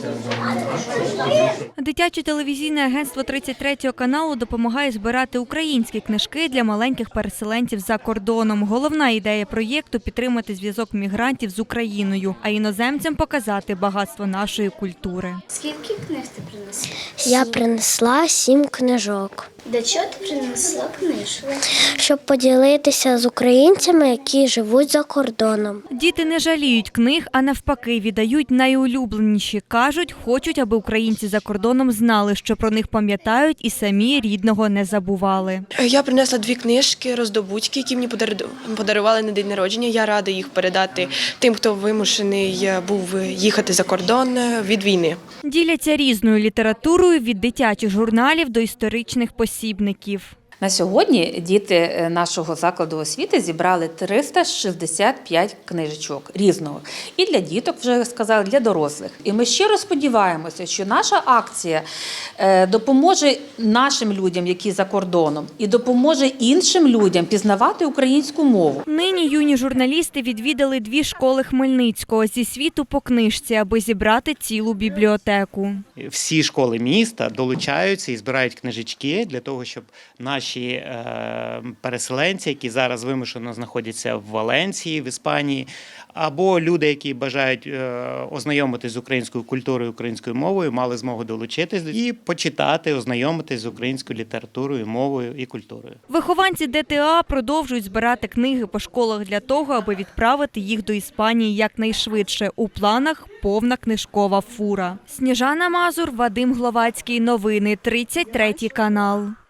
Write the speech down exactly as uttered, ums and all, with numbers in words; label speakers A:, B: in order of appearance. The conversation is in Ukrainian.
A: Дитяче телевізійне агентство тридцять третього каналу допомагає збирати українські книжки для маленьких переселенців за кордоном. Головна ідея проєкту – підтримати зв'язок мігрантів з Україною, а іноземцям показати багатство нашої культури.
B: Скільки книг ти принесла?
C: Я принесла сім книжок.
B: Для чого ти принесла книжку?
C: Щоб поділитися з українцями, які живуть за кордоном.
A: Діти не жаліють книг, а навпаки віддають найулюбленіші. Кажуть, хочуть, аби українці за кордоном знали, що про них пам'ятають і самі рідного не забували.
D: Я принесла дві книжки «Роздобутки», які мені подарували на день народження. Я рада їх передати тим, хто вимушений був їхати за кордон від війни.
A: Діляться різною літературою від дитячих журналів до історичних посібників.
E: На сьогодні діти нашого закладу освіти зібрали триста шістдесят п'ять книжечок різного. І для діток, вже сказали, для дорослих. І ми щиро сподіваємося, що наша акція допоможе нашим людям, які за кордоном, і допоможе іншим людям пізнавати українську мову.
A: Нині юні журналісти відвідали дві школи Хмельницького зі світу по книжці, аби зібрати цілу бібліотеку.
F: Всі школи міста долучаються і збирають книжечки для того, щоб наші Наші переселенці, які зараз вимушено знаходяться в Валенції, в Іспанії, або люди, які бажають ознайомитись з українською культурою, українською мовою, мали змогу долучитись і почитати, ознайомитись з українською літературою, мовою і культурою.
A: Вихованці ДТА продовжують збирати книги по школах для того, аби відправити їх до Іспанії якнайшвидше. У планах повна книжкова фура. Сніжана Мазур, Вадим Гловацький. Новини тридцять третій канал.